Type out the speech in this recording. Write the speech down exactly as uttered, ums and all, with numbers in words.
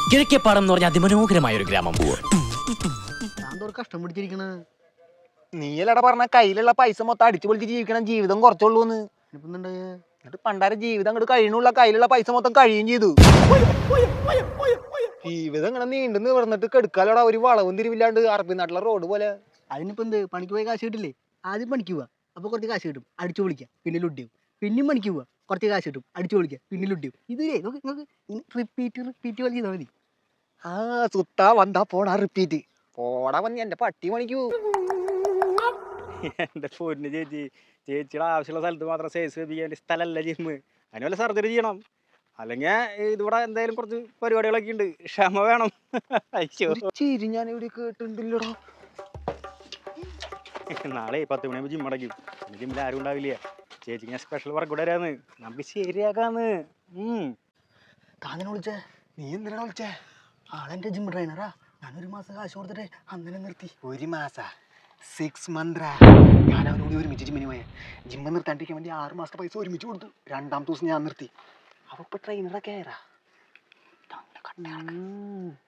കിഴക്കേപ്പാടം എന്ന് പറഞ്ഞ അതിമനോഹരമായ ഒരു ഗ്രാമം. കഷ്ടം പിടിച്ചിരിക്കണ നീയല്ലട പറഞ്ഞ കയ്യിലുള്ള പൈസ മൊത്തം അടിച്ചു പൊളിച്ച് ജീവിക്കണം, ജീവിതം കുറച്ചുള്ളൂന്ന്. എന്നിട്ട് പണ്ടാര ജീവിതം അങ്ങോട്ട് കഴിയണുള്ള കയ്യിലുള്ള പൈസ മൊത്തം കഴിയും ചെയ്തു. ജീവിതം ഇങ്ങനെ നീണ്ടു നിവർന്നിട്ട് കെടുക്കാലോടാ, ഒരു വളവും തിരിവില്ലാണ്ട് അറബി നാട്ടിലെ റോഡ് പോലെ. അതിനിപ്പോ എന്ത്, പണിക്ക് പോയി കാശ് കിട്ടില്ലേ? ആദ്യം പണിക്ക് പോവാ, അപ്പൊ കുറച്ച് കാശ് കിട്ടും, അടിച്ചു പൊളിക്കാം, പിന്നെ ലുഡ്ഡിയും. പിന്നെയും പണിക്ക് പോവാ, കുറച്ച് കാശ് കിട്ടും, അടിച്ചു പൊളിക്കാം, പിന്നെ ലുഡ്ഡിയും. ഇതിലേ റിപ്പീറ്റ് റിപ്പീറ്റ് പോലെ ചെയ്താൽ മതി. ആ സുത്താ വന്നാ പോടാ റിപ്പീറ്റ്. പോടാ വന്നി എന്റെ പട്ടി പണിക്കൂ. എന്റെ പൊന്ന് ചേച്ചി, ചേച്ചിയുടെ ആവശ്യമുള്ള സ്ഥലത്ത് മാത്രം സൈസ് വെപ്പിക്കാൻ സ്ഥലമല്ല ജിമ്മ്. അതിന് വല്ല സർജറി ചെയ്യണം, അല്ലെങ്കിൽ ഇതിവിടെ എന്തായാലും കുറച്ച് പരിപാടികളൊക്കെ ഉണ്ട്, ക്ഷമ വേണം. അയ്യോ ചിരി ഞാൻ ഇവിടെ കേട്ടിട്ടുണ്ടല്ലോടാ. നാളെ പത്ത് മണിയാകുമ്പോൾ ജിം അടയ്ക്കും. ജിമ്മിൽ ആരും ഉണ്ടാവില്ല. ചേച്ചിക്ക് ഞാൻ സ്പെഷ്യൽ വർക്ക് കൂടെ വരാന്ന്, നമുക്ക് ശരിയാക്കാന്ന്. താനെ വിളിച്ചേ? നീ എന്തിനാ വിളിച്ചേ? ആളെന്റെ ജിം ട്രെയിനറാ. ഞാനൊരു മാസം കാശ് കൊടുത്തിട്ട് അങ്ങനെ നിർത്തി. ഒരു മാസ സിക്സ് മന്ത് ഞാൻ അവനോട് ഒരുമിച്ച് ജിമ്മിന് പോയ. ജിമ്മ് നിർത്താണ്ടിരിക്കാൻ വേണ്ടി ആറ് മാസത്തെ പൈസ ഒരുമിച്ച് കൊടുത്തു. രണ്ടാമത്തെ ദിവസം ഞാൻ നിർത്തി. അവ ഇപ്പൊ ട്രെയിനറൊക്കെ ആയറാ.